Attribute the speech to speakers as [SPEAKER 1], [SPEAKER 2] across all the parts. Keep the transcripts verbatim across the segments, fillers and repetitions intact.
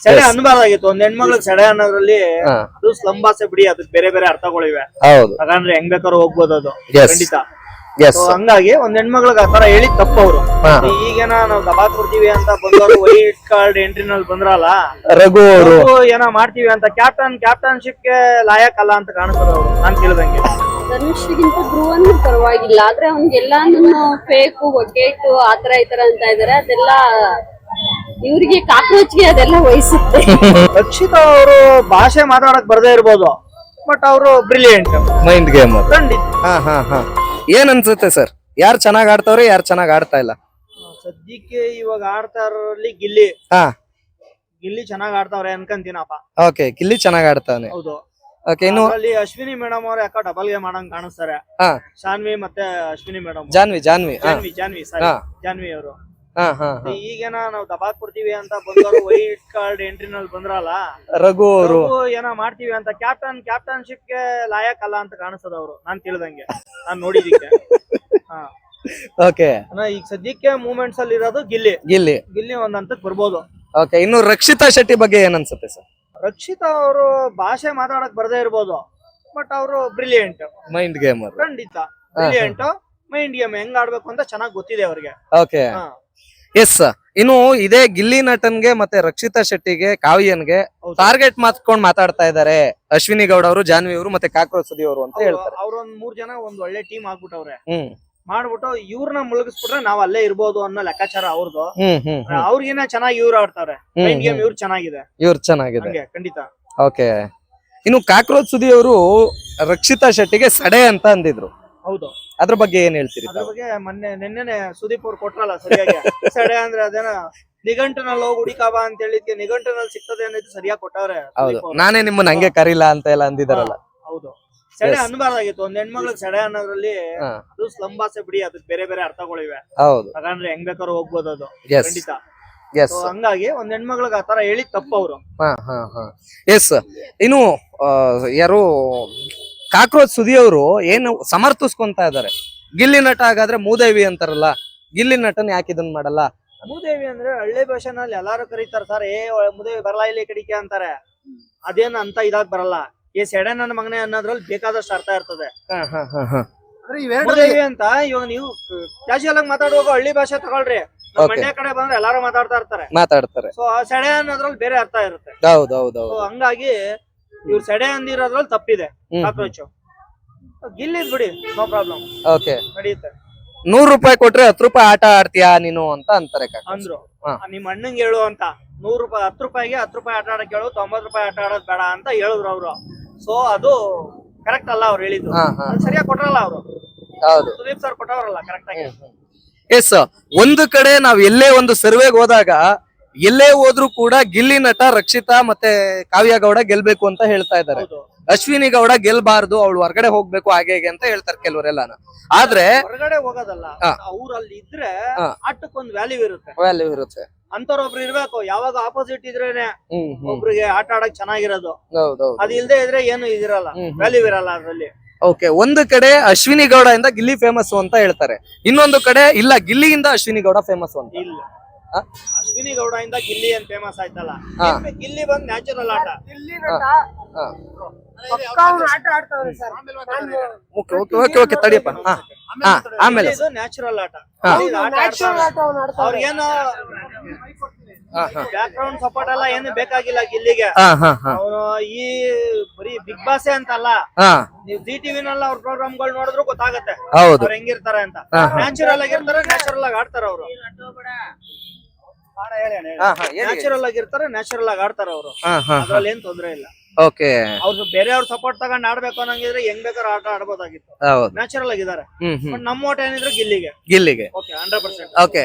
[SPEAKER 1] ಸೆಡೆ ಅನ್ಬಾರ್ದಾಗಿತ್ತು. ಒಂದ್ ಹೆಣ್ಮಗ್ಳಿಗೆ ಸೆಡೆ ಅನ್ನೋದ್ರಲ್ಲಿ ಅದು ಸ್ಲಂ ಭಾಷೆ ಬಿಡಿ, ಅದಕ್ಕೆ ಬೇರೆ ಬೇರೆ ಅರ್ಥಗಳಿವೆ.
[SPEAKER 2] ಹೌದು
[SPEAKER 1] ಹಾಗಂದ್ರೆ ಹೆಂಗ್ ಬೇಕಾದ್ರೂ ಹೋಗ್ಬೋದು ಅದು,
[SPEAKER 2] Yes.
[SPEAKER 1] ಖಂಡಿತ.
[SPEAKER 2] ಎಸ್
[SPEAKER 1] So ಹಂಗಾಗಿ ಒಂದ್ ಹೆಣ್ಮಗ್ಳಿಗೆ ಆತರ ಹೇಳಿ ತಪ್ಪವ್ರು. ಈಗೇನ ನಾವ್ ದಬಾ ಕೊಡ್ತೀವಿ ಅಂತ ಬಂದವರು ವೈಟ್ ಕಾರ್ಡ್ ಎಂಟ್ರಿನಲ್ಲಿ ಬಂದ್ರಲ್ಲ,
[SPEAKER 2] ರಘು ಅವರು
[SPEAKER 1] ಅವ್ರು ಏನೋ ಮಾಡ್ತೀವಿ ಅಂತ ಕ್ಯಾಪ್ಟನ್ ಕ್ಯಾಪ್ಟನ್ಶಿಪ್ ಗೆ ಲಾಯಕ್ ಅಲ್ಲ ಅಂತ ಕಾಣಿಸ್ತದ ಅವ್ರು, ನಾನ್ ಕೇಳ್ದಂಗೆ.
[SPEAKER 3] ಧನುಷ್ಗಿಂತ ಧ್ರುವನ್ ಪರವಾಗಿಲ್ಲ, ಆದ್ರೆ ಅವ್ನಿಗೆಲ್ಲಾನು ಫೇಕು ಒಗ್ಗೇಟು ಆತರ ಈತರ ಅಂತ ಇದಾರೆ. ಅದೆಲ್ಲ ಇವ್ರಿಗೆ ಕಾಕ್ರೋಚ್ಗೆ ಅದೆಲ್ಲ ವಹಿಸುತ್ತೆ.
[SPEAKER 1] ರಕ್ಷಿತಾ ಅವರು ಭಾಷೆ ಮಾತಾಡಕ್ ಬರ್ದೇ ಇರ್ಬೋದು, ಬಟ್ ಅವರು ಬ್ರಿಲಿಯಂಟ್
[SPEAKER 2] ಮೈಂಡ್ ಗೇಮ್.
[SPEAKER 1] ಖಂಡಿತ.
[SPEAKER 2] ಹಾ ಹಾ ಹಾ ಏನ್ ಅನ್ಸುತ್ತೆ ಸರ್, ಯಾರು ಚೆನ್ನಾಗ್ ಆಡ್ತಾವ್ರೆ ಯಾರು ಚೆನ್ನಾಗ್ ಆಡ್ತಾ ಇಲ್ಲ?
[SPEAKER 1] ಸದ್ಯಕ್ಕೆ ಇವಾಗ ಆಡ್ತಾ ಇರೋರಲ್ಲಿ ಗಿಲ್ಲಿ
[SPEAKER 2] ಹಾ
[SPEAKER 1] ಗಿಲ್ಲಿ ಚೆನ್ನಾಗ್ ಆಡ್ತಾವ್ರೆ ಅನ್ಕಂತೀನಪ್ಪ.
[SPEAKER 2] ಓಕೆ, ಗಿಲ್ಲಿ ಚೆನ್ನಾಗ್ ಆಡ್ತಾನೆ.
[SPEAKER 1] ಹೌದು.
[SPEAKER 2] ಓಕೆ, ಇನ್ನು
[SPEAKER 1] ಅಲ್ಲಿ ಅಶ್ವಿನಿ ಮೇಡಮ್ ಅವ್ರ ಯಾಕೋ ಡಬಲ್ ಗೇಮ್ ಮಾಡಂಗ್ ಕಾಣಿಸ್ತಾರೆ.
[SPEAKER 2] ಹಾ
[SPEAKER 1] ಶಾನ್ವಿ ಮತ್ತೆ ಅಶ್ವಿನಿ ಮೇಡಮ್,
[SPEAKER 2] ಜಾನ್ವಿ ಜಾನ್ವಿ ಹಾ
[SPEAKER 1] ಜಾನ್ವಿ ಜಾನ್ವಿ ಸಾರಿ
[SPEAKER 2] ಹಾ.
[SPEAKER 1] ಜಾನ್ವಿ ಅವರು.
[SPEAKER 2] ಹಾ ಹಾ ಹಾ
[SPEAKER 1] ಈಗೇನ ನಾವ್ ದಬಾಕ್ ಕೊಡ್ತೀವಿ ಅಂತ ಬಂದವರು ವೈಟ್ ಕಾರ್ಡ್ ಎಂಟ್ರಿನಲ್ಲಿ ಬಂದ್ರಲ್ಲ,
[SPEAKER 2] ರಘು ಅವರು
[SPEAKER 1] ಅವ್ರು ಏನೋ ಮಾಡ್ತೀವಿ ಅಂತ ಕ್ಯಾಪ್ಟನ್ ಕ್ಯಾಪ್ಟನ್ಶಿಪ್ ಗೆ ಲಾಯಕ್ ಅಲ್ಲ ಅಂತ ಕಾಣಿಸ್ತದ ಅವ್ರು, ನಾನ್ ತಿಳಿದಂಗೆ, ನಾನ್ ನೋಡಿದಿಕ್ಕೆ. ಹಾ
[SPEAKER 2] ಓಕೆ,
[SPEAKER 1] ಈಗ ಸದ್ಯಕ್ಕೆ ಮೂವ್ಮೆಂಟ್ಸ್ ಅಲ್ಲಿ ಇರೋದು ಗಿಲ್ಲಿ
[SPEAKER 2] ಗಿಲ್ಲಿ
[SPEAKER 1] ಗಿಲ್ಲಿ ಒಂದ್ ಹಂತಕ್ ಬರ್ಬೋದು.
[SPEAKER 2] ಓಕೆ, ಇನ್ನು ರಕ್ಷಿತಾ ಶೆಟ್ಟಿ ಬಗ್ಗೆ ಏನ್ ಅನ್ಸುತ್ತೆ ಸರ್?
[SPEAKER 1] ರಕ್ಷಿತಾ ಅವರು ಭಾಷೆ ಮಾತಾಡಕ್ ಬರ್ದೇ ಇರ್ಬೋದು, ಬಟ್ ಅವರು ಬ್ರಿಲಿಯಂಟ್
[SPEAKER 2] ಮೈಂಡ್ ಗೇಮ್.
[SPEAKER 1] ಖಂಡಿತ ಬ್ರಿಲಿಯಂಟ್. ಮೈಂಡ್ ಗೇಮ್ ಹೆಂಗ್ ಆಡ್ಬೇಕು ಅಂತ ಚೆನ್ನಾಗ್ ಗೊತ್ತಿದೆ ಅವ್ರಿಗೆ.
[SPEAKER 2] Okay, yes. ಇನ್ನು ಇದೇ ಗಿಲ್ಲಿ ನಟನ್ಗೆ ಮತ್ತೆ ರಕ್ಷಿತಾ ಶೆಟ್ಟಿಗೆ ಕಾವ್ಯನ್ಗೆ ಟಾರ್ಗೆಟ್ ಮಾಡ್ಕೊಂಡ್ ಮಾತಾಡ್ತಾ ಇದಾರೆ ಅಶ್ವಿನಿ ಗೌಡ ಅವರು, ಜಾನ್ವಿ ಅವರು ಮತ್ತೆ ಕಾಕ್ರೋಚ್ ಸುದಿ ಅವರು ಅಂತ ಹೇಳ್ತಾರೆ.
[SPEAKER 1] ಅವ್ರೊಂದ್ ಮೂರ್ ಜನ ಒಂದ್ ಒಳ್ಳೆ ಟೀಮ್ ಆಗ್ಬಿಟ್ಟವ್ರೆ.
[SPEAKER 2] ಹ್ಮ್
[SPEAKER 1] ಮಾಡ್ಬಿಟ್ಟು ಇವ್ರನ್ನ ಮುಳುಗಿಸ್ಬಿಟ್ರೆ ನಾವ್ ಅಲ್ಲೇ ಇರ್ಬೋದು ಅನ್ನೋ ಲೆಕ್ಕಾಚಾರ ಅವ್ರದ್ದು.
[SPEAKER 2] ಹ್ಮ್ ಹ್ಮ್
[SPEAKER 1] ಅವ್ರಿಗಿನ್ನ ಚೆನ್ನಾಗಿ ಇವ್ರು ಆಡ್ತಾರೆ. ಮೈಂಡ್ ಗೇಮ್ ಇವ್ರು ಚೆನ್ನಾಗಿದೆ,
[SPEAKER 2] ಇವ್ರು ಚೆನ್ನಾಗಿದೆ.
[SPEAKER 1] ಹಂಗೆ ಖಂಡಿತ.
[SPEAKER 2] ಓಕೆ, ಇನ್ನು ಕಾಕ್ರೋಚ್ ಸುದಿ ಅವರು ರಕ್ಷಿತಾ ಶೆಟ್ಟಿಗೆ ಸಡೆ ಅಂತ ಅಂದಿದ್ರು,
[SPEAKER 1] ಹೌದು.
[SPEAKER 2] ಅದ್ರ ಬಗ್ಗೆ ಏನ್ ಹೇಳ್ತೀರಿ?
[SPEAKER 1] ಅದ್ರ ಬಗ್ಗೆ ಮೊನ್ನೆ ನಿನ್ನೆನೆ ಸುದೀಪ್ ಅವ್ರು ಕೊಟ್ರಲ್ಲ ಸರಿಯಾಗಿ. ಸಡೆ ಅಂದ್ರೆ ಅದೇನ ನಿಘಂಟನಲ್ಲಿ ಹೋಗಿ ಹುಡಿಕಾಬ ಅಂತ ಹೇಳಿದ್ಕೆ ನಿಘಂಟನಲ್ಲಿ ಸಿಗ್ತದೆ ಅನ್ನೋದು ಸರಿಯಾಗಿ ಕೊಟ್ಟವ್ರೆ.
[SPEAKER 2] ಹೌದು, ನಾನೇ ನಿಮ್ಮನ್ನ ಹಂಗೆ ಕರೀಲ ಅಂತ ಎಲ್ಲ ಅಂದಿದಾರಲ್ಲ.
[SPEAKER 1] ಹೌದು, ಸೆಡೆ ಅನ್ಬಾರ್ದಾಗಿತ್ತು. ಒಂದ್ ಹೆಣ್ಮಗ್ಳಿಗೆ ಸೆಡೆ ಅನ್ನೋದ್ರಲ್ಲಿ ಅದು ಸ್ಲಂ ಭಾಷೆ ಬಿಡಿ, ಅದಕ್ಕೆ ಬೇರೆ ಬೇರೆ ಅರ್ಥಗಳಿವೆ. ಹೌದು, ಹಾಗಂದ್ರೆ ಹೆಂಗ್ ಬೇಕಾದ್ರೂ ಹೋಗ್ಬೋದು ಅದು, ಖಂಡಿತ. ಹಂಗಾಗಿ ಒಂದ್ ಹೆಣ್ಮಗ್ಳಿಗೆ ಆತರ ಹೇಳಿ ತಪ್ಪವ್ರು.
[SPEAKER 2] ಹಾ ಹಾ ಹಾ ಎಸ್. ಇನ್ನು ಯಾರು ಕಾಕ್ರೋಚ್ ಸುದಿ ಅವರು ಏನು ಸಮರ್ಥಿಸ್ಕೊಂತ ಇದಾರೆ, ಗಿಲ್ಲಿ ನಟ ಹಾಗಾದ್ರೆ ಮೂದೇವಿ ಅಂತಾರಲ್ಲ, ಗಿಲ್ಲಿ ನಟನ್ ಯಾಕೆ ಇದನ್ ಮಾಡಲ್ಲ?
[SPEAKER 1] ಮೂದೇವಿ ಅಂದ್ರೆ ಹಳ್ಳಿ ಭಾಷೆನಲ್ಲಿ ಎಲ್ಲಾರು ಕರೀತಾರ ಸರ್, ಏ ಮೂದೇವಿ ಬರಲ್ಲ ಇಲ್ಲಿ ಕಡಿಕೆ ಅಂತಾರೆ. ಅದೇನ್ ಅಂತ ಇದಾಗ್ ಬರಲ್ಲ. ಈ ಸೆಡೆ ನನ್ನ ಮಗನೆ ಅನ್ನೋದ್ರಲ್ಲಿ ಬೇಕಾದಷ್ಟು ಅರ್ಥ ಇರ್ತದೆ. ಮೂದೇವಿ ಅಂತ ಇವಾಗ ನೀವು ಕ್ಯಾಶುಯಲ್ ಆಗಿ ಮಾತಾಡುವಾಗ ಹಳ್ಳಿ ಭಾಷೆ ತಗೊಳ್ರಿ, ಮಂಡ್ಯ ಕಡೆ ಬಂದ್ರೆ ಎಲ್ಲಾರು ಮಾತಾಡ್ತಾ ಇರ್ತಾರೆ
[SPEAKER 2] ಮಾತಾಡ್ತಾರೆ.
[SPEAKER 1] ಸೊ ಆ ಸೆಡೆ ಅನ್ನೋದ್ರಲ್ಲಿ ಬೇರೆ ಅರ್ಥ ಇರುತ್ತೆ.
[SPEAKER 2] ಹೌದೌದು.
[SPEAKER 1] ಹಂಗಾಗಿ ಇವ್ರು ಸೆಡೆ ಅಂದಿರೋದ್ರಲ್ಲಿ ತಪ್ಪಿದೆ. ಕಾಕ್ರೋಚ್ ಗಿಲ್ಲಿದ್ ಬಿಡಿ, ನೋ ಪ್ರಾಬ್ಲಮ್,
[SPEAKER 2] ಓಕೆ
[SPEAKER 1] ನಡೆಯುತ್ತೆ.
[SPEAKER 2] ನೂರ್ ರೂಪಾಯಿ ಕೊಟ್ರೆ ಹತ್ತು ರೂಪಾಯಿ ಆಟ ಆಡ್ತೀಯಾ ನೀನು ಅಂತ ಅಂತಾರೆ
[SPEAKER 1] ಅಂದ್ರು. ನಿಮ್ ಅಣ್ಣಂಗೆ ಹೇಳು ಅಂತ, ನೂರ್ ರೂಪಾಯಿ ಹತ್ತು ರೂಪಾಯಿಗೆ ಹತ್ತು ರೂಪಾಯಿ ಆಟ ಆಡಕ್ ಹೇಳು, ತೊಂಬತ್ ರೂಪಾಯಿ ಆಟ ಆಡೋದ್ ಬೇಡ ಅಂತ ಹೇಳಿದ್ರು ಅವ್ರು. ಸೊ ಅದು ಕರೆಕ್ಟ್ ಅಲ್ಲ ಅವ್ರು ಹೇಳಿದ್ದು, ಸರಿಯಾಗಿ ಕೊಟ್ರಲ್ಲ ಅವ್ರು.
[SPEAKER 2] ಹೌದು,
[SPEAKER 1] ಸುದೀಪ್ ಸರ್ ಕೊಟ್ಟವ್ರಲ್ಲ ಕರೆಕ್ಟ್ ಆಗಿ.
[SPEAKER 2] ಎಸ್. ಒಂದು ಕಡೆ ನಾವ್ ಎಲ್ಲೇ ಒಂದು ಸರ್ವೆಗೆ ಹೋದಾಗ ಎಲ್ಲೇ ಹೋದ್ರು ಕೂಡ ಗಿಲ್ಲಿ ನಟ ರಕ್ಷಿತಾ ಮತ್ತೆ ಕಾವ್ಯ ಗೌಡ ಗೆಲ್ಬೇಕು ಅಂತ ಹೇಳ್ತಾ ಇದ್ದಾರೆ. ಅಶ್ವಿನಿ ಗೌಡ ಗೆಲ್ಬಾರ್ದು, ಅವಳು ಹೊರಗಡೆ ಹೋಗ್ಬೇಕು ಹಾಗೆ ಹೇಗೆ ಅಂತ ಹೇಳ್ತಾರೆ ಕೆಲವರೆಲ್ಲಾನ. ಆದ್ರೆ
[SPEAKER 1] ಹೊರಗಡೆ ಹೋಗೋದಲ್ಲ, ಅವ್ರು ಅಲ್ಲಿ ಇದ್ರೆ ಆಟಕ್ಕೊಂದು ವ್ಯಾಲ್ಯೂ ಇರುತ್ತೆ,
[SPEAKER 2] ವ್ಯಾಲ್ಯೂ ಇರುತ್ತೆ.
[SPEAKER 1] ಅಂತವ್ರೊಬ್ರು ಇರ್ಬೇಕು. ಯಾವಾಗ ಆಪೋಸಿಟ್ ಇದ್ರೇನೆ ಒಬ್ರಿಗೆ ಆಟ ಆಡಕ್ ಚೆನ್ನಾಗಿರೋದು.
[SPEAKER 2] ಹೌದೌದು,
[SPEAKER 1] ಅದು ಇಲ್ದೇ ಇದ್ರೆ ಏನು ಇದಿರಲ್ಲ, ವ್ಯಾಲ್ಯೂ ಇರಲ್ಲ ಅದ್ರಲ್ಲಿ.
[SPEAKER 2] ಓಕೆ, ಒಂದು ಕಡೆ ಅಶ್ವಿನಿ ಗೌಡ ಇಂದ ಗಿಲ್ಲಿ ಫೇಮಸ್ ಅಂತ ಹೇಳ್ತಾರೆ, ಇನ್ನೊಂದು ಕಡೆ ಇಲ್ಲ ಗಿಲ್ಲಿಯಿಂದ ಅಶ್ವಿನಿ ಗೌಡ ಫೇಮಸ್ ಅಂತ.
[SPEAKER 1] ಇಲ್ಲ, ಅಶ್ವಿನಿ ಗೌಡ ಇಂದ ಗಿಲ್ಲಿ ಏನ್ ಫೇಮಸ್ ಆಯ್ತಲ್ಲ, ಗಿಲ್ಲಿ ಬಂದ್ ನ್ಯಾಚುರಲ್ ಆಟ.
[SPEAKER 2] ತಡಿಯಪ್ಪ. ಆಮೇಲೆ
[SPEAKER 1] ನ್ಯಾಚುರಲ್ ಆಟ, ಅವ್ರಿಗೇನು ಬ್ಯಾಕ್ ಗ್ರೌಂಡ್ ಸಪೋರ್ಟ್ ಎಲ್ಲ ಏನು ಬೇಕಾಗಿಲ್ಲ ಗಿಲ್ಲಿಗೆ. ಅವನು ಈ ಬರೀ ಬಿಗ್ ಬಾಸ್ ಅಂತಲ್ಲ, ನೀವು ಜಿ ಟಿವಿನಲ್ಲ ಅವ್ರ ಪ್ರೋಗ್ರಾಮ್ ಗಳು ನೋಡಿದ್ರು ಗೊತ್ತಾಗತ್ತೆ ಅವ್ರು ಹೆಂಗಿರ್ತಾರೆ ಅಂತ. ನ್ಯಾಚುರಲ್ ಆಗಿರ್ತಾರೆ, ನ್ಯಾಚುರಲ್ ಆಗಿ ಆಡ್ತಾರ ಅವರು. ನ್ಯಾಚುರಲ್ ಆಗಿರ್ತಾರೆ, ನ್ಯಾಚುರಲ್ ಆಗಿ ಆಡ್ತಾರ ಅವರು, ಅದ್ರಲ್ಲಿ ಏನ್ ತೊಂದ್ರೆ ಇಲ್ಲ.
[SPEAKER 2] ಓಕೆ,
[SPEAKER 1] ಅವ್ರು ಬೇರೆಯವ್ರ ಸಪೋರ್ಟ್ ತಗೊಂಡ್ ಆಡ್ಬೇಕು ಅನ್ನಂಗಿದ್ರೆ ಹೆಂಗ್ ಬೇಕಾದ್ರೂ ಆಟ ಆಡ್ಬೋದಾಗಿತ್ತು. ನ್ಯಾಚುರಲ್ ಆಗಿದ್ದಾರೆ. ಬಟ್ ನಮ್ಮ ಓಟ್ ಏನಿದ್ರು ಗಿಲ್ಲಿಗೆ
[SPEAKER 2] ಗಿಲ್ಲಿಗೆ
[SPEAKER 1] ಓಕೆ ಹಂಡ್ರೆಡ್ ಪರ್ಸೆಂಟ್.
[SPEAKER 2] ಓಕೆ,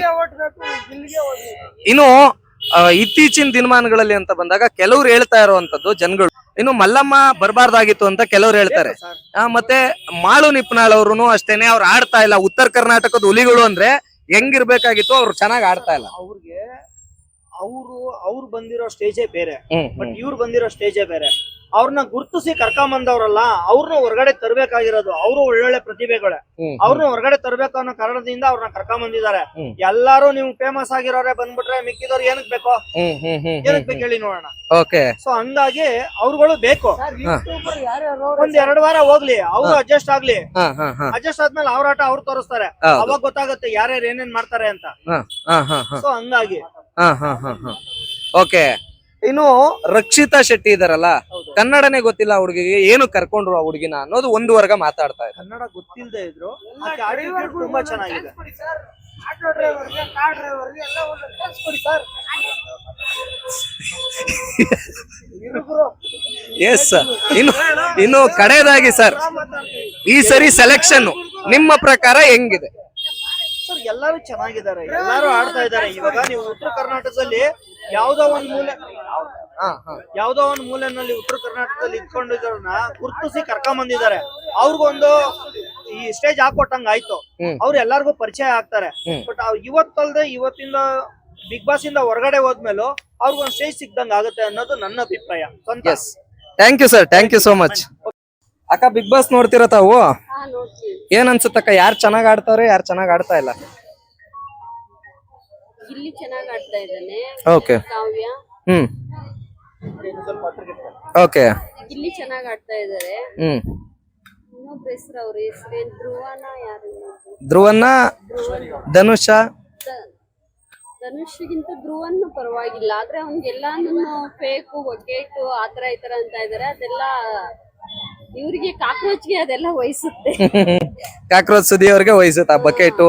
[SPEAKER 2] ಇನ್ನು ಇತ್ತೀಚಿನ ದಿನಮಾನಗಳಲ್ಲಿ ಅಂತ ಬಂದಾಗ ಕೆಲವ್ರು ಹೇಳ್ತಾ ಇರುವಂತದ್ದು ಜನಗಳು, ಇನ್ನು ಮಲ್ಲಮ್ಮ ಬರಬಾರ್ದಾಗಿತ್ತು ಅಂತ ಕೆಲವ್ರು ಹೇಳ್ತಾರೆ. ಮತ್ತೆ ಮಾಳು ನಿಪ್ನಾಳ್ ಅವ್ರು ಅಷ್ಟೇನೆ, ಅವ್ರು ಆಡ್ತಾ ಇಲ್ಲ. ಉತ್ತರ ಕರ್ನಾಟಕದ ಹುಲಿಗಳು ಅಂದ್ರೆ ಹೆಂಗಿರ್ಬೇಕಾಗಿತ್ತು, ಅವ್ರು ಚೆನ್ನಾಗಿ ಆಡ್ತಾ ಇಲ್ಲ.
[SPEAKER 1] ಅವ್ರಿಗೆ ಅವರು ಅವ್ರು ಬಂದಿರೋ ಸ್ಟೇಜೇ ಬೇರೆ, ಬಟ್ ಇವ್ರು ಬಂದಿರೋ ಸ್ಟೇಜೇ ಬೇರೆ. ಅವ್ರನ್ನ ಗುರುತಿಸಿ ಕರ್ಕೊಂಬಂದವ್ರಲ್ಲ ಅವ್ರನ್ನ ಹೊರಗಡೆ ತರಬೇಕಾಗಿರೋದು. ಅವರು ಒಳ್ಳೊಳ್ಳೆ ಪ್ರತಿಭೆಗಳೇ, ಅವ್ರನ್ನ ಹೊರಗಡೆ ತರಬೇಕು ಅನ್ನೋ ಕಾರಣದಿಂದ ಅವ್ರನ್ನ ಕರ್ಕೊಂಬಂದಿದ್ದಾರೆ. ಎಲ್ಲಾರು ನೀವು ಫೇಮಸ್ ಆಗಿರೋರೆ ಬಂದ್ಬಿಟ್ರೆ ಮಿಕ್ಕಿದವ್ರು ಏನಕ್ ಬೇಕೋ ಏನಕ್ ಬೇಕು ಹೇಳಿ ನೋಡೋಣ. ಸೊ ಹಂಗಾಗಿ ಅವ್ರುಗಳು ಬೇಕು. ಒಂದ್ ಎರಡ್ ವಾರ ಹೋಗ್ಲಿ, ಅವ್ರು ಅಡ್ಜಸ್ಟ್ ಆಗ್ಲಿ. ಅಡ್ಜಸ್ಟ್ ಆದ್ಮೇಲೆ ಅವ್ರ ಆಟ ಅವ್ರು ತೋರಿಸ್ತಾರೆ, ಅವಾಗ ಗೊತ್ತಾಗುತ್ತೆ ಯಾರ್ಯಾರು ಏನೇನ್ ಮಾಡ್ತಾರೆ ಅಂತ. ಸೊ ಹಂಗಾಗಿ
[SPEAKER 2] ಓಕೆ. ಇನ್ನು ರಕ್ಷಿತಾ ಶೆಟ್ಟಿ ಇದಾರಲ್ಲ, ಕನ್ನಡನೇ ಗೊತ್ತಿಲ್ಲ ಹುಡುಗಿಗೆ, ಏನು ಕರ್ಕೊಂಡ್ರು ಆ ಹುಡುಗಿನ ಅನ್ನೋದು ಒಂದು ವರ್ಗ ಮಾತಾಡ್ತಾ ಇದೆ.
[SPEAKER 1] ಕನ್ನಡ ಗೊತ್ತಿಲ್ಲದೆ ಇದ್ರು ತುಂಬಾ ಚೆನ್ನಾಗಿದೆ.
[SPEAKER 2] Yes sir. ಇನ್ನು ಇನ್ನು ಕಡೆಯದಾಗಿ ಸರ್, ಈ ಸರಿ ಸೆಲೆಕ್ಷನ್ ನಿಮ್ಮ ಪ್ರಕಾರ ಹೆಂಗಿದೆ?
[SPEAKER 1] ಸರ್ ಎಲ್ಲಾರು ಚೆನ್ನಾಗಿದ್ದಾರೆ, ಎಲ್ಲಾರು ಆಡ್ತಾ ಇದ್ದಾರೆ. ಇವಾಗ ನೀವು ಉತ್ತರ ಕರ್ನಾಟಕದಲ್ಲಿ ಯಾವ್ದೋ ಒಂದ್ ಮೂಲೆ ಯಾವ್ದೋ ಒಂದ್ ಮೂಲೆನಲ್ಲಿ ಉತ್ತರ ಕರ್ನಾಟಕದಲ್ಲಿ ಇಟ್ಕೊಂಡಿರೋರ್ನ ಗುರ್ತಿಸಿ ಕರ್ಕೊಂಡ್ ಬಂದಿದ್ದಾರೆ. ಅವ್ರಿಗೊಂದು ಈ ಸ್ಟೇಜ್ ಹಾಕೊಟ್ಟಂಗ ಆಯ್ತು, ಅವ್ರು ಎಲ್ಲಾರ್ಗು ಪರಿಚಯ ಆಗ್ತಾರೆ. ಬಟ್ ಇವತ್ತಲ್ದೆ ಇವತ್ತಿಂದ ಬಿಗ್ ಬಾಸ್ ಇಂದ ಹೊರಗಡೆ ಹೋದ್ಮೇಲೂ ಅವ್ರಿಗೊಂದು ಸ್ಟೇಜ್ ಸಿಕ್ದಂಗ ಆಗುತ್ತೆ ಅನ್ನೋದು ನನ್ನ ಅಭಿಪ್ರಾಯ.
[SPEAKER 2] Thank you sir, thank you so much. ಅಕ್ಕ, ಬಿಗ್ ಬಾಸ್ ನೋಡ್ತಿರ ತಾವು? ಏನ್ ಅನ್ಸುತ್ತಕ್ಕ, ಯಾರು ಚೆನ್ನಾಗ್ ಆಡ್ತಾವ್ರೆ, ಯಾರು ಚೆನ್ನಾಗ್ ಆಡ್ತಾ ಇಲ್ಲ?
[SPEAKER 3] ಗಿಲ್ಲಿ ಚೆನ್ನಾಗ್ ಆಡ್ತಾ ಇದ್ದಾನೆ.
[SPEAKER 2] Okay.
[SPEAKER 3] Kavya
[SPEAKER 2] hmm okay.
[SPEAKER 3] Gilli ಚೆನ್ನಾಗ್ ಆಡ್ತಾ ಇದಾರೆ.
[SPEAKER 2] ಹ್ಮ್
[SPEAKER 3] ಇನ್ನೊಬ್ರು ಹೆಸರು ಅವ್ರ ಹೆಸರೇನ್, ಧ್ರುವನ ಯಾರು?
[SPEAKER 2] ಧ್ರುವನ್ನ, ಧನುಷ.
[SPEAKER 3] ಧನುಷ್ಗಿಂತ ಧ್ರುವನ್ ಪರವಾಗಿಲ್ಲ, ಆದ್ರೆ ಅವ್ನಿಗೆಲ್ಲಾನು ಫೇಕು ಒಗ್ಗೇಟು ಆತರ ಈತರ ಅಂತ ಇದಾರೆ. ಅದೆಲ್ಲ ಇವ್ರಿಗೆ ಕಾಕ್ರೋಚ್ಗೆ ಅದೆಲ್ಲ ವಹಿಸುತ್ತೆ.
[SPEAKER 2] ಕಾಕ್ರೋಚ್ ಸುದಿ ಅವ್ರಿಗೆ ವಹಿಸುತ್ತೆ ಆ ಬಕೆಟು.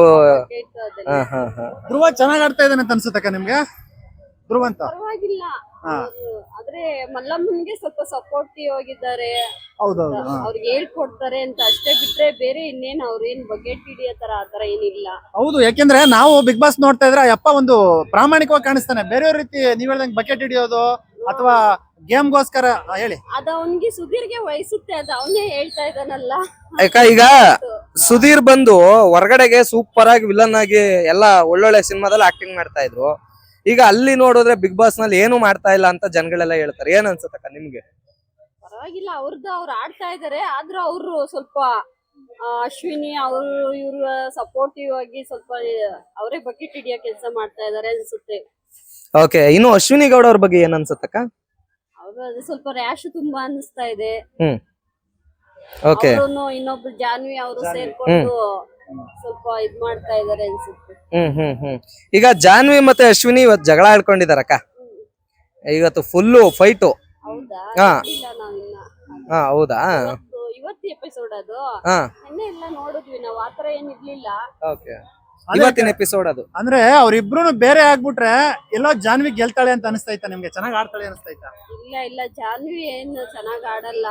[SPEAKER 4] ಧ್ರುವ ಚೆನ್ನಾಗ್ ಆಡ್ತಾ ಇದ್ದಾನೆ ಅಂತ ಅನ್ಸುತ್ತಕ್ಕ ನಿಮ್ಗೆ? ಧ್ರುವ ಅಂತ
[SPEAKER 3] ಪರವಾಗಿಲ್ಲ, ಆದ್ರೆ ಮಲ್ಲಮ್ಮನ್ಗೆ ಸ್ವಲ್ಪ ಸಪೋರ್ಟಿವ್ ಆಗಿದ್ದಾರೆ.
[SPEAKER 4] ಹೌದೌದು,
[SPEAKER 3] ಅವ್ರಿಗೆ ಹೇಳ್ಕೊಡ್ತಾರೆ ಅಂತ ಅಷ್ಟೇ ಬಿಟ್ರೆ ಬೇರೆ ಇನ್ನೇನ್ ಅವ್ರೇನ್ ಬಕೆಟ್ ಹಿಡಿಯೋ ತರ ಆತರ ಏನಿಲ್ಲ.
[SPEAKER 4] ಹೌದು, ಯಾಕೆಂದ್ರೆ ನಾವು ಬಿಗ್ ಬಾಸ್ ನೋಡ್ತಾ ಇದ್ರೆ ಅಪ್ಪ ಒಂದು ಪ್ರಾಮಾಣಿಕವಾಗಿ ಕಾಣಿಸ್ತಾನೆ. ಬೇರೆಯವ್ರ ರೀತಿ ನೀವ್ ಹೇಳ್ದಂಗೆ ಬಕೆಟ್ ಹಿಡಿಯೋದು ಅಥವಾ ಗೇಮ್ಗೋಸ್ಕರ ಹೇಳಿ,
[SPEAKER 3] ಅದ ಅವನ್ಗೆ ಸುಧೀರ್ಗೆ ವಹಿಸುತ್ತೆ, ಅದ ಅವನೇ ಹೇಳ್ತಾ ಇದ್ದಾನಲ್ಲ.
[SPEAKER 2] ಯಾಕ ಈಗ ಸುಧೀರ್ ಬಂದು ಹೊರಗಡೆಗೆ ಸೂಪರ್ ಆಗಿ ವಿಲನ್ ಆಗಿ ಎಲ್ಲಾ ಒಳ್ಳೊಳ್ಳೆ ಸಿನಿಮಾದಲ್ಲಿ ಆಕ್ಟಿಂಗ್ ಮಾಡ್ತಾ ಇದ್ರು. ಈಗ ಅಲ್ಲಿ ನೋಡಿದ್ರೆ ಬಿಗ್ ಬಾಸ್ ನಲ್ಲಿ ಏನು ಮಾಡ್ತಾ ಇಲ್ಲ ಅಂತ ಜನಗಳೆಲ್ಲ ಹೇಳ್ತಾರೆ. ಏನ್ ಅನ್ಸುತ್ತಕ್ಕ ನಿಮ್ಗೆ?
[SPEAKER 3] ಪರವಾಗಿಲ್ಲ, ಅವ್ರದ್ದು ಅವ್ರು ಆಡ್ತಾ ಇದಾರೆ. ಆದ್ರೂ ಅವರು ಸ್ವಲ್ಪ ಅಶ್ವಿನಿ ಅವರು ಇವ್ರ ಸಪೋರ್ಟಿವ್ ಆಗಿ ಸ್ವಲ್ಪ ಅವರೇ ಬಕೆಟ್ ಹಿಡಿಯೋ ಕೆಲಸ ಮಾಡ್ತಾ ಇದಾರೆ ಅನ್ಸುತ್ತೆ.
[SPEAKER 2] ಓಕೆ. ಇನ್ನು ಅಶ್ವಿನಿ ಗೌಡ ಅವ್ರ ಬಗ್ಗೆ ಏನ್ ಅನ್ಸುತ್ತಕ್ಕ?
[SPEAKER 3] ಅವ್ರು ಅದು ಸ್ವಲ್ಪ ರ್ಯಾಶ್ ತುಂಬಾ ಅನಿಸ್ತಾ ಇದೆ.
[SPEAKER 2] Hmm okay.
[SPEAKER 3] ಇನ್ನೊಬ್ರು ಜಾನ್ವಿ ಅವರು ಸೇರ್ಕೊಂಡು ಸ್ವಲ್ಪ ಇದ್ ಮಾಡ್ತಾ ಇದಾರೆ ಅನ್ಸುತ್ತೆ.
[SPEAKER 2] ಹ್ಮ್ ಹ್ಮ್ ಹ್ಮ್ ಈಗ ಜಾನ್ವಿ ಮತ್ತೆ ಅಶ್ವಿನಿ ಇವತ್ತು ಜಗಳ ಆಡ್ಕೊಂಡಿದಾರಕ್ಕ. ಇವತ್ತು ಫುಲ್ಲು ಫೈಟು.
[SPEAKER 3] ಹೌದಾ?
[SPEAKER 2] ಹಾ
[SPEAKER 3] ಇಲ್ಲ ನಾವಿನ್ನ.
[SPEAKER 2] ಹಾ ಹೌದಾ?
[SPEAKER 3] ಇವತ್ತು ಎಪಿಸೋಡ್ ಅದು.
[SPEAKER 2] ಹಾ
[SPEAKER 3] ನಿನ್ನೆ ಎಲ್ಲ ನೋಡಿದ್ವಿ ನಾವು, ಆತರ ಏನ್ ಇರ್ಲಿಲ್ಲ.
[SPEAKER 2] ಓಕೆ. ಇವತ್ತಿನ ಎಪಿಸೋಡ್ ಅದು.
[SPEAKER 4] ಅಂದ್ರೆ ಅವ್ರಿಬ್ರು ಬೇರೆ ಆಗ್ಬಿಟ್ರೆ ಎಲ್ಲೋ ಜಾನ್ವಿ ಗೆಲ್ತಾಳೆ ಅಂತ ಅನಿಸ್ತೈತಾ ನಿಮ್ಗೆ? ಚೆನ್ನಾಗ್ ಆಡ್ತಾಳೆ ಅನಿಸ್ತೈತಾ?
[SPEAKER 3] ಇಲ್ಲ ಇಲ್ಲ, ಜಾನ್ವಿ ಏನು ಚೆನ್ನಾಗ್ ಆಡಲ್ಲ.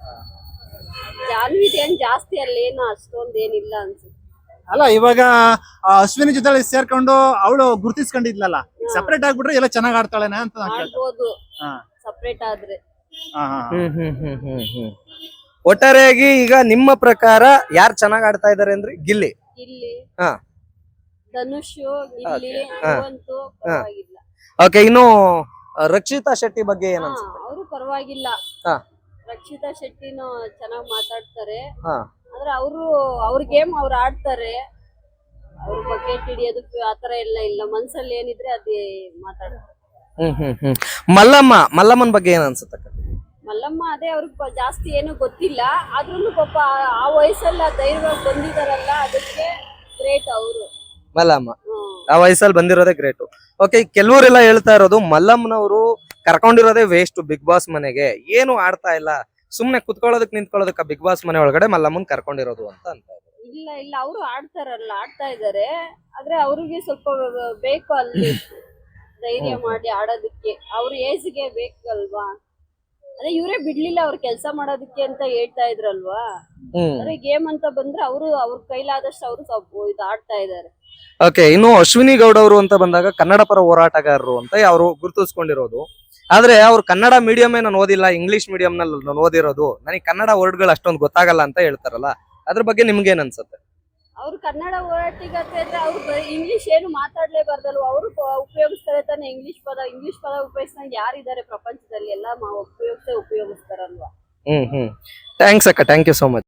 [SPEAKER 3] ಜಾನ್ವಿದ್ ಏನ್ ಜಾಸ್ತಿ ಅಲ್ಲೇನು ಅಷ್ಟೊಂದ್ ಏನಿಲ್ಲ ಅನ್ಸುತ್ತೆ.
[SPEAKER 4] ಅಲ್ಲ, ಇವಾಗ ಅಶ್ವಿನಿ ಜೊತೆ ಸೇರ್ಕೊಂಡು ಅವಳು ಗುರ್ತಿಸ್ಕೊಂಡಿದ್ಲಲ್ಲ, ಸಪರೇಟ್ ಆಗ್ಬಿಟ್ರೆ ಎಲ್ಲ ಚೆನ್ನಾಗ್ ಆಡ್ತಾಳೆನ ಅಂತ
[SPEAKER 3] ಆಡ್ಬೋದು ಸಪರೇಟ್ ಆದ್ರೆ.
[SPEAKER 2] ಹ್ಮ್ ಹ್ಮ್ ಹ್ಮ್ ಹ್ಮ್ ಹ್ಮ್ ಒಟ್ಟಾರೆಯಾಗಿ ಈಗ ನಿಮ್ಮ ಪ್ರಕಾರ ಯಾರು ಚೆನ್ನಾಗ್ ಆಡ್ತಾ ಇದಾರೆ ಅಂದ್ರೆ? ಗಿಲ್ಲಿ,
[SPEAKER 3] ಗಿಲ್ಲಿ,
[SPEAKER 2] ಹಾ,
[SPEAKER 3] ಧನುಷ್, ಗಿಲ್ಲಿ, ಧ್ರುವಂತು ಪರವಾಗಿಲ್ಲ.
[SPEAKER 2] ಓಕೆ. ಇನ್ನು ರಕ್ಷಿತಾ ಶೆಟ್ಟಿ ಬಗ್ಗೆ ಏನ್ ಅನ್ಸುತ್ತೆ?
[SPEAKER 3] ಅವರು ಪರವಾಗಿಲ್ಲ.
[SPEAKER 2] ಹಾ,
[SPEAKER 3] ರಕ್ಷಿತಾ ಶೆಟ್ಟಿನೂ ಚೆನ್ನಾಗ್ ಮಾತಾಡ್ತಾರೆ.
[SPEAKER 2] ಹಾ,
[SPEAKER 3] ಆದ್ರೆ ಅವರು ಅವ್ರ ಗೇಮ್ ಅವ್ರು ಆಡ್ತಾರೆ. ಅವ್ರ ಬಕೆಟ್ ಹಿಡಿಯೋದು ಆತರ ಎಲ್ಲ ಇಲ್ಲ, ಮನ್ಸಲ್ಲಿ ಏನಿದ್ರೆ ಅದೇ ಮಾತಾಡ್ತಾರೆ.
[SPEAKER 2] ಹ್ಮ್ ಹ್ಮ್ ಹ್ಮ್ ಮಲ್ಲಮ್ಮ, ಮಲ್ಲಮ್ಮನ್ ಬಗ್ಗೆ ಏನ್ ಅನ್ಸುತ್ತಕ್ಕ?
[SPEAKER 3] ಮಲ್ಲಮ್ಮ ಅದೇ ಅವ್ರಿಗೆ ಜಾಸ್ತಿ ಏನು ಗೊತ್ತಿಲ್ಲ, ಆದ್ರೂ ಪಾಪ ಆ ವಯಸ್ಸಲ್ಲ ಧೈರ್ಯವಾಗಿ ಬಂದಿದಾರಲ್ಲ, ಅದಕ್ಕೆ ಗ್ರೇಟ್ ಅವರು.
[SPEAKER 2] ಮಲ್ಲಮ್ಮ ಆ ವಯಸ್ಸಲ್ಲಿ ಬಂದಿರೋದೇ ಗ್ರೇಟು. ಓಕೆ. ಕೆಲವರೆಲ್ಲ ಹೇಳ್ತಾ ಇರೋದು ಮಲ್ಲಮ್ಮನವರು ಕರ್ಕೊಂಡಿರೋದೇ ವೇಸ್ಟ್ ಬಿಗ್ ಬಾಸ್ ಮನೆಗೆ, ಏನು ಆಡ್ತಾ ಇಲ್ಲ, ಸುಮ್ನೆ ಕುತ್ಕೊಳ್ಳೋದಕ್ ನಿಂತ್ಕೊಳ್ಳೋದಕ್ಕ ಬಿಗ್ ಬಾಸ್ ಮನೆ ಒಳಗಡೆ ಮಲ್ಲಮ್ಮನ್ ಕರ್ಕೊಂಡಿರೋದು ಅಂತ ಅಂತ.
[SPEAKER 3] ಇಲ್ಲ ಇಲ್ಲ, ಅವರು ಆಡ್ತಾರಲ್ಲ, ಆಡ್ತಾ ಇದಾರೆ. ಆದ್ರೆ ಅವ್ರಿಗೆ ಸ್ವಲ್ಪ ಬೇಕು ಅಲ್ಲಿ ಧೈರ್ಯ ಮಾಡಿ ಆಡೋದಕ್ಕೆ. ಅವ್ರ ಏಜ್ಗೆ ಬೇಕಲ್ವಾ? ಅದೇ ಇವರೇ ಬಿಡ್ಲಿಲ್ಲ ಅವ್ರ ಕೆಲಸ ಮಾಡೋದಕ್ಕೆ ಅಂತ ಹೇಳ್ತಾ ಇದ್ರಲ್ವಾ. ಅದೇ ಗೇಮ್ ಅಂತ ಬಂದ್ರೆ ಅವರು ಅವ್ರ ಕೈಲಾದಷ್ಟು ಅವರು ಸ್ವಲ್ಪ ಇದು ಆಡ್ತಾ ಇದಾರೆ.
[SPEAKER 2] ಓಕೆ. ಇನ್ನು ಅಶ್ವಿನಿ ಗೌಡ ಅವರು ಅಂತ ಬಂದಾಗ ಕನ್ನಡ ಪರ ಹೋರಾಟಗಾರರು ಅಂತ ಅವರು ಗುರುತಿಸ್ಕೊಂಡಿರೋದು. ಆದ್ರೆ ಅವ್ರು ಕನ್ನಡ ಮೀಡಿಯಂ ನಾನು ಓದಿಲ್ಲ, ಇಂಗ್ಲಿಷ್ ಮೀಡಿಯಂ ನಲ್ಲಿ ನಾನು ಓದಿರೋದು, ನನಗೆ ಕನ್ನಡ ವರ್ಡ್ಗಳು ಅಷ್ಟೊಂದು ಗೊತ್ತಾಗಲ್ಲ ಅಂತ ಹೇಳ್ತಾರಲ್ಲ, ಅದ್ರ ಬಗ್ಗೆ ನಿಮ್ಗೆ ಏನ್ ಅನ್ಸುತ್ತೆ?
[SPEAKER 3] ಅವ್ರು ಕನ್ನಡ ಒಟ್ಟಿಗತ್ತೆ ಅಂದ್ರೆ ಅವ್ರು ಬರೀ ಇಂಗ್ಲಿಷ್ ಏನು ಮಾತಾಡ್ಲೇಬಾರ್ದಲ್ವ, ಅವರು ಉಪಯೋಗಿಸ್ತಾರೆ ತಾನೆ ಇಂಗ್ಲಿಷ್ ಪದ. ಇಂಗ್ಲಿಷ್ ಪದ ಉಪಯೋಗಿಸ್ದಂಗೆ ಯಾರಿದ್ದಾರೆ ಪ್ರಪಂಚದಲ್ಲಿ? ಎಲ್ಲ ಉಪಯೋಗಿಸೇ ಉಪಯೋಗಿಸ್ತಾರಲ್ವಾ.
[SPEAKER 2] ಹ್ಮ್ ಹ್ಮ್ ಥ್ಯಾಂಕ್ಸ್ ಅಕ್ಕ, ಥ್ಯಾಂಕ್ ಯು ಸೋ ಮಚ್.